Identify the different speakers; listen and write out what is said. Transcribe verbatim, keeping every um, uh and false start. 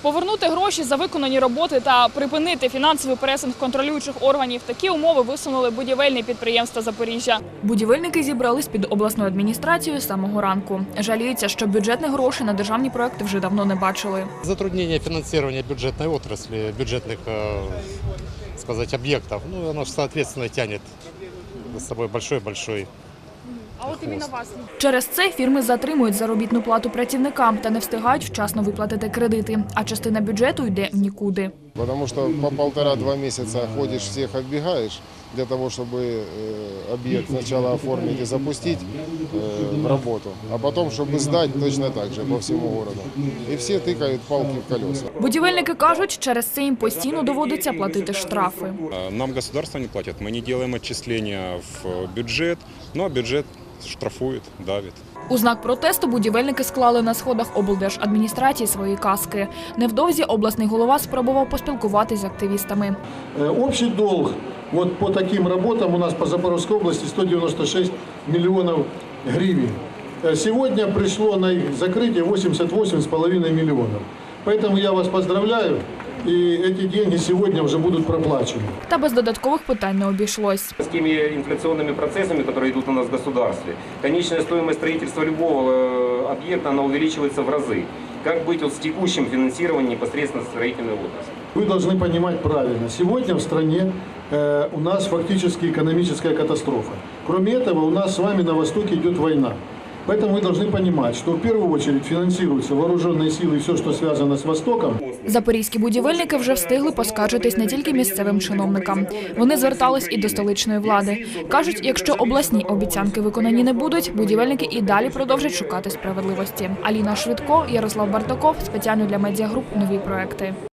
Speaker 1: Повернути гроші за виконані роботи та припинити фінансовий пресинг контролюючих органів – такі умови висунули будівельні підприємства Запоріжжя. Будівельники зібрались під обласною адміністрацією з самого ранку. Жаліються, що бюджетних грошей на державні проекти вже давно не бачили.
Speaker 2: Затруднение финансирования бюджетной отрасли, бюджетных, сказать, объектов, ну, оно, соответственно, тянет за собой большой-большой.
Speaker 1: А от іменно вас. Через це фірми затримують заробітну плату працівникам та не встигають вчасно виплатити кредити, а частина бюджету йде в нікуди.
Speaker 3: Потому что по полтора-два месяца ходишь, всех оббегаешь для того, чтобы объект сначала оформить и запустить в работу, а потом, чтобы сдать точно так же по всему городу. И все тыкают палки в колеса.
Speaker 1: Будівельники кажуть, через це їм постійно доводиться платити штрафи.
Speaker 4: Нам государство не платит, мы не делаем отчисления в бюджет, но бюджет штрафует, давит.
Speaker 1: У знак протесту будівельники склали на сходах облдержадміністрації свої каски. Невдовзі обласний голова спробував поспілкуватися з активістами.
Speaker 5: Общий долг вот по таким работам у нас по Запорожской области сто девяносто шесть миллионов гривен. Сегодня пришло на их закрытие восемьдесят восемь с половиной миллионов. Поэтому я вас поздравляю. И эти деньги сегодня уже будут проплачены.
Speaker 1: Та без додаткових питань не обійшлось.
Speaker 6: С теми инфляционными процессами, которые идут у нас в государстве, конечная стоимость строительства любого объекта, она увеличивается в разы. Как быть вот с текущим финансированием непосредственно строительной отрасли?
Speaker 5: Вы должны понимать правильно. Сегодня в стране э, у нас фактически экономическая катастрофа. Кроме этого, у нас с вами на Востоке идет война. Поэтому вы должны понимать, что в первую очередь финансируются вооруженные силы и все, что связано с Востоком.
Speaker 1: Запорізькі будівельники вже встигли поскаржитись не тільки місцевим чиновникам. Вони звертались і до столичної влади. Кажуть, якщо обласні обіцянки виконані не будуть, будівельники і далі продовжать шукати справедливості. Аліна Швидко, Ярослав Бартаков. Спеціально для медіагруп «Нові проекти».